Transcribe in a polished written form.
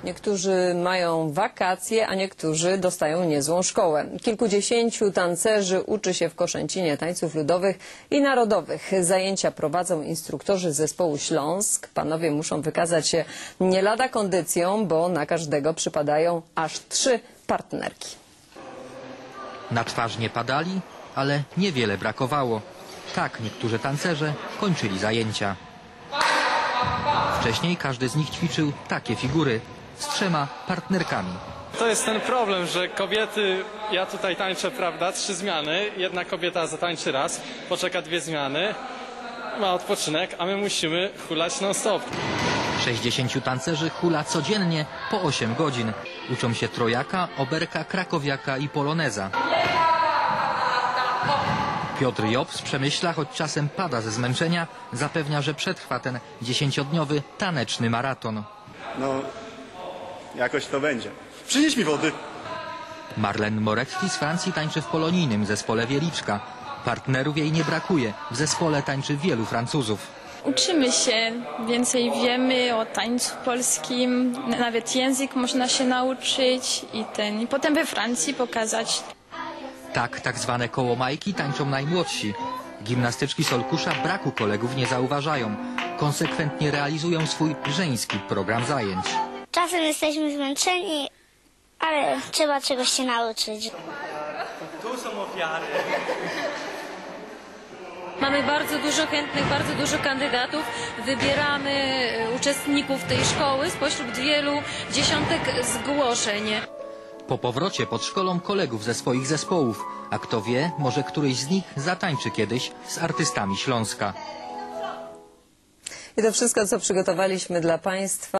Niektórzy mają wakacje, a niektórzy dostają niezłą szkołę. Kilkudziesięciu tancerzy uczy się w Koszęcinie tańców ludowych i narodowych. Zajęcia prowadzą instruktorzy zespołu Śląsk. Panowie muszą wykazać się nie lada kondycją, bo na każdego przypadają aż 3 partnerki. Na twarz nie padali, ale niewiele brakowało. Tak niektórzy tancerze kończyli zajęcia. Wcześniej każdy z nich ćwiczył takie figury z 3 partnerkami. To jest ten problem, że kobiety, ja tutaj tańczę, prawda, 3 zmiany, jedna kobieta zatańczy raz, poczeka 2 zmiany, ma odpoczynek, a my musimy hulać non-stop. 60 tancerzy hula codziennie po 8 godzin. Uczą się trojaka, oberka, krakowiaka i poloneza. Piotr Job z Przemyśla, choć czasem pada ze zmęczenia, zapewnia, że przetrwa ten 10-dniowy taneczny maraton. No, jakoś to będzie. Przynieś mi wody. Marlene Moretti z Francji tańczy w polonijnym zespole Wieliczka. Partnerów jej nie brakuje. W zespole tańczy wielu Francuzów. Uczymy się, więcej wiemy o tańcu polskim, nawet język można się nauczyć i potem we Francji pokazać. Tak zwane kołomajki tańczą najmłodsi. Gimnastyczki Solkusza braku kolegów nie zauważają. Konsekwentnie realizują swój żeński program zajęć. Czasem jesteśmy zmęczeni, ale trzeba czegoś się nauczyć. Tu są ofiary. Mamy bardzo dużo chętnych, bardzo dużo kandydatów. Wybieramy uczestników tej szkoły spośród wielu dziesiątek zgłoszeń. Po powrocie podszkolą kolegów ze swoich zespołów, a kto wie, może któryś z nich zatańczy kiedyś z artystami Śląska. I to wszystko, co przygotowaliśmy dla Państwa.